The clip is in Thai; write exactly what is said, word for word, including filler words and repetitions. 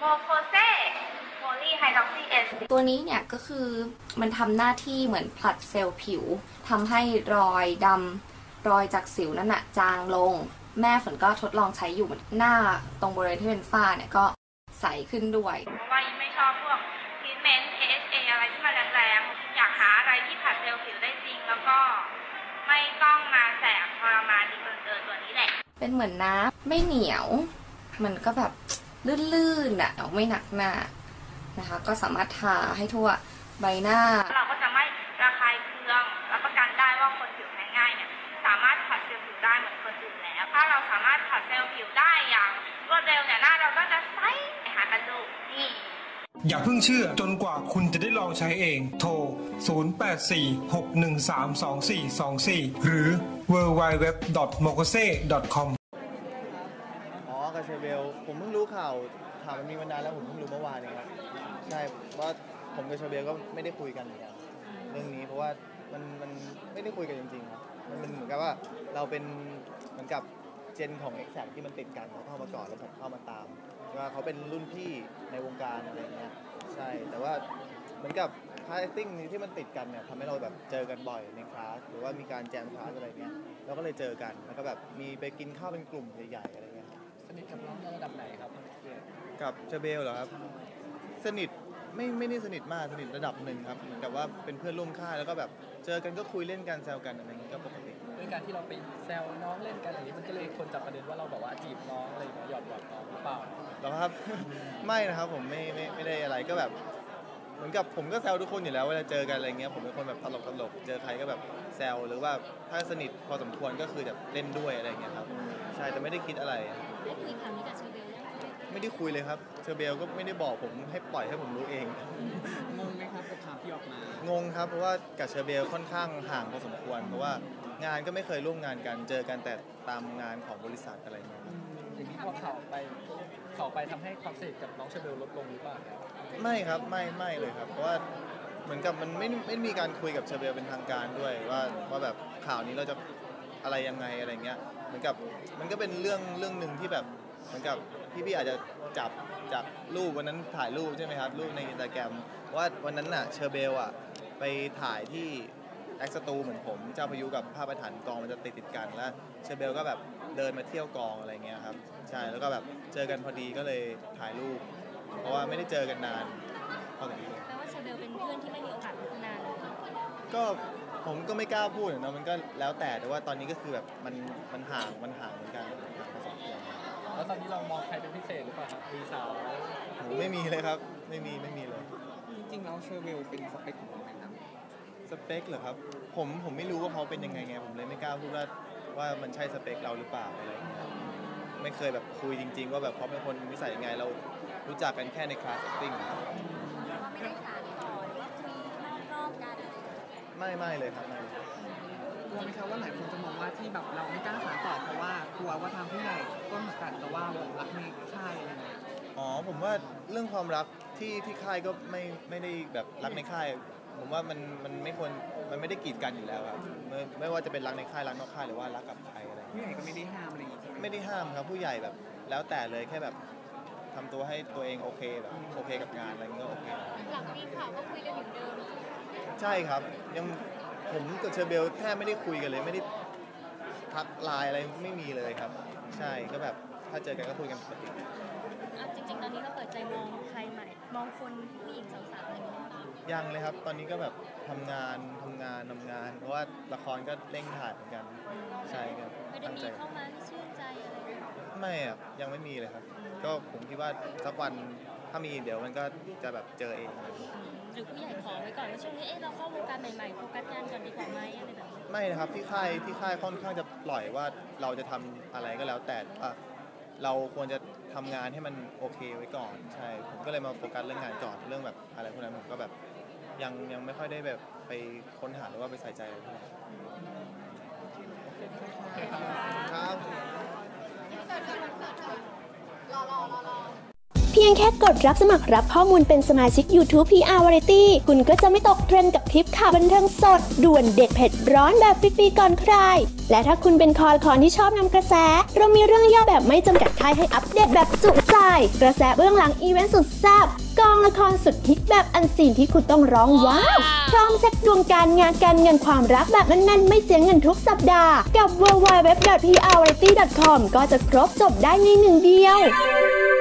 โมโคเซโพลีไฮดรอกซีเอสตัวนี้เนี่ยก็คือมันทำหน้าที่เหมือนผลัดเซลล์ผิวทำให้รอยดำรอยจากสิวนั่นน่ะจางลงแม่ฝนก็ทดลองใช้อยู่หน้าตรงบริเวณที่เป็นฝ้าเนี่ยก็ใสขึ้นด้วยเพราะว่ายิ่งไม่ชอบพวกทรีทเมนต์ เอ เอช เอ อะไรที่มันแรงๆอยากหาอะไรที่ผลัดเซลล์ผิวได้จริงแล้วก็ไม่ต้องมาแสบทรมานดีเกินเกินตัวนี้แหละเป็นเหมือนน้ำไม่เหนียวมันก็แบบลื่นๆอ่ะไม่หนักหน้านะคะก็สามารถทาให้ทั่วใบหน้าเราก็จะไม่ระคายเคืองรับประกันได้ว่าคนผิวแพ้ง่ายเนี่ยสามารถผัดเซลล์ผิวได้เหมือนคนอื่นแล้วถ้าเราสามารถผัดเซลล์ผิวได้อย่างรวดเร็วเนี่ยหน้าเราก็จะใสหากันดูนี่อย่าเพิ่งเชื่อจนกว่าคุณจะได้ลองใช้เองโทรศูนย์ แปด สี่ หก หนึ่ง สาม สอง สี่ สอง สี่หรือ ดับเบิลยู ดับเบิลยู ดับเบิลยู ดอท โมโคเซ ดอท คอมอ๋อกาเชเบลผมเพิ่งรู้ข่าวข่าวมันมีมานานแล้วผมเพิ่งรู้เมื่อวานเองครับใช่ว่าผมกับเชเบลก็ไม่ได้คุยกันเหมือนกันเรื่องนี้เพราะว่ามันมันไม่ได้คุยกันจริงๆครับมันเป็นเหมือนกับว่าเราเป็นเหมือนกับเจนของ Exact ที่มันติดกันเขาเข้ามาก่อนแล้วผมเข้ามาตามว่าเขาเป็นรุ่นพี่ในวงการอะไรเงี้ยใช่แต่ว่าเหมือนกับคลาสติ้งนี้ที่มันติดกันเนี่ยทำให้เราแบบเจอกันบ่อยในคลาสหรือว่ามีการแจมคลาสอะไรเงี้ยเราก็เลยเจอกันแล้วก็แบบมีไปกินข้าวเป็นกลุ่มใหญ่ๆอะไรเงี้ยสนิทกับน้องระดับไหนครับกับเชเบลเหรอครับสนิทไม่ไม่ได้สนิทมากสนิทระดับหนึ่งครับเหมือนกับว่าเป็นเพื่อนร่วมค่ายแล้วก็แบบเจอกันก็คุยเล่นกันแซวกันอะไรเงี้ยก็ปกติด้วยการที่เราไปแซวน้องเล่นกันอย่างนี้มันก็เลยคนจับประเด็นว่าเราแบบว่าจีบน้องอะไรอย่างเงี้ยหยอดหยอดน้องหรือเปล่าหรอครับ ไม่นะครับผมไม่ไม่ไม่ได้อะไรก็แบบเหมือนกับผมก็แซวทุกคนอยู่แล้วเวลาเจอกันอะไรเงี้ยผมเป็นคนแบบตลกตลกเจอใครก็แบบแซวหรือว่าถ้าสนิทพอสมควรก็คือแบบเล่นด้วยอะไรเงี้ยครับใช่แต่ไม่ได้คิดอะไรได้คุยครั้งนี้กับเชอร์เบลยังไม่ได้คุยเลยครับเชอร์เบลก็ไม่ได้บอกผมให้ปล่อยให้ผมรู้เองงงไหมครับกับข่าวที่ออกมางงครับเพราะว่ากับเชอร์เบลค่อนข้างห่างพอสมควรเพราะว่างานก็ไม่เคยร่วมงานกันเจอกันแต่ตามงานของบริษัทอะไรเงี้ยอย่างนี้พอข่าวไปข่าวไปทำให้ความสนิทกับน้องเชอร์เบลลดลงหรือเปล่าไม่ครับไม่ไม่เลยครับเพราะว่าเหมือนกับมันไม่ไม่มีการคุยกับเชอร์เบลเป็นทางการด้วยว่าว่าแบบข่าวนี้เราจะอะไรยังไงอะไรเงี้ยเหมือนกับมันก็เป็นเรื่องเรื่องนึงที่แบบเหมือนกับพี่ๆอาจจะจับจากรูปวันนั้นถ่ายรูปใช่ไหมครับรูปใน Instagram ว่าวันนั้นน่ะเชอร์เบลอ่ะไปถ่ายที่แอคสตูเหมือนผมเจ้าพายุกับภาพประธานกองมันจะติดติดกันแล้วเชอร์เบลก็แบบเดินมาเที่ยวกองอะไรเงี้ยครับใช่แล้วก็แบบเจอกันพอดีก็เลยถ่ายรูปเพราะว่าไม่ได้เจอกันนานพอดีแปลว่าเชอร์เบลเป็นเพื่อนที่ไม่มีโอกาสพัฒนาเลยก็ผมก็ไม่กล้าพูดเนาะมันก็แล้วแต่แต่ว่าตอนนี้ก็คือแบบมันมันห่างมันห่างเหมือนกันพอสมควรแล้วตอนนี้เรามองใครเป็นพิเศษหรือเปล่าครับมีสาวไม่มีเลยครับไม่มีไม่มีเลยจริงๆแล้วเชอร์เบลเป็นสเปคของเราไหมครับสเปคเหรอครับผมผมไม่รู้ว่าเขาเป็นยังไงไงผมเลยไม่กล้าพูดว่าว่ามันใช่สเปคเราหรือเปล่าอะไรอย่างเงี้ยไม่เคยแบบคุยจริงๆว่าแบบเขาเป็นคนนิสัยยังไงเรารู้จักกันแค่ในคลาสเซตติ้งครับไม่ได้สานต่อหรือว่าคุยนอกๆกันไม่ไม่เลยครับไม่กลัวไหมครับว่าหลายคนจะมองว่าที่แบบเราไม่กล้าสานต่อเพราะว่ากลัวว่าทางผู้ใหญ่ต้นสังกัดจะว่าเรารักในค่ายอะไรอย่างเงี้ยอ๋อผมว่าเรื่องความรักที่ที่ค่ายก็ไม่ไม่ได้แบบรักในค่ายผมว่ามันมันไม่ควรมันไม่ได้กีดกันอยู่แล้วครับไม่ไม่ว่าจะเป็นรักในค่ายรักนอกค่ายหรือว่ารักกับใครอะไรผู้ใหญ่ก็ไม่ได้ห้ามอะไรอย่างเงี้ยไม่ได้ห้ามครับผู้ใหญ่แบบแล้วแต่เลยแค่แบบทำตัวให้ตัวเองโอเคแบบโอเคกับงานอะไรก็โอเคหลังมีข่าวก็คุยกันเหมือนเดิมใช่ครับยังผมกับเชอร์เบลแทบไม่ได้คุยกันเลยไม่ได้ทักไลน์อะไรไม่มีเลยครับใช่ก็แบบถ้าเจอกันก็คุยกันปกติจริงๆตอนนี้เราเปิดใจมองใครใหม่มองคนผู้หญิงสาวๆอะไรอย่างเงี้ยยังเลยครับตอนนี้ก็แบบทำงานทำงานทำงานเพราะว่าละครก็เร่งถ่ายเหมือนกันใช่ครับไม่ได้มีเข้ามาชื่นใจอะไรไม่อ่ะยังไม่มีเลยครับก็ผมคิดว่าสักวันถ้ามีเดี๋ยวมันก็จะแบบเจอเองหรือผู้ใหญ่ขอไว้ก่อนว่าช่วงนี้เอ๊ะเราเข้าวงการใหม่ๆโฟกัสงานก่อนดีกว่าไหมอะไรแบบนี้ไม่นะครับที่ค่ายที่ค่ายค่อนข้างจะปล่อยว่าเราจะทำอะไรก็แล้วแต่ว่าเราควรจะทำงานให้มันโอเคไว้ก่อนใช่ผมก็เลยมาโฟกัสเรื่องงานก่อนเรื่องแบบอะไรพวกนั้นผมก็แบบยังยังไม่ค่อยได้แบบไปค้นหาหรือว่าไปใส่ใจอะไรเท่าไหร่ครับเพียงแค่กดรับสมัครรับข้อมูลเป็นสมาชิก YouTube พี อาร์ Variety คุณก็จะไม่ตกเทรนด์กับคลิปข่าวบันเทิงสดด่วนเด็ดเผ็ดร้อนแบบฟรีๆก่อนใครและถ้าคุณเป็นคอคอนที่ชอบนำกระแสเรามีเรื่องย่อแบบไม่จำกัดค่ายให้อัปเดตแบบจุใจายกระแสเบื้องหลังอีเวนต์สุดแซ่บกองละครสุดฮิตแบบอันซีนที่คุณต้องร้องว้าวพร้อมเช็คดวงการงานการเงินความรักแบบแน่นๆไม่เสียเงินทุกสัปดาห์กับ ดับเบิลยู ดับเบิลยู ดับเบิลยู ดอท พี อาร์ วาไรตี้ ดอท คอม ก็จะครบจบได้ในหนึ่งเดียว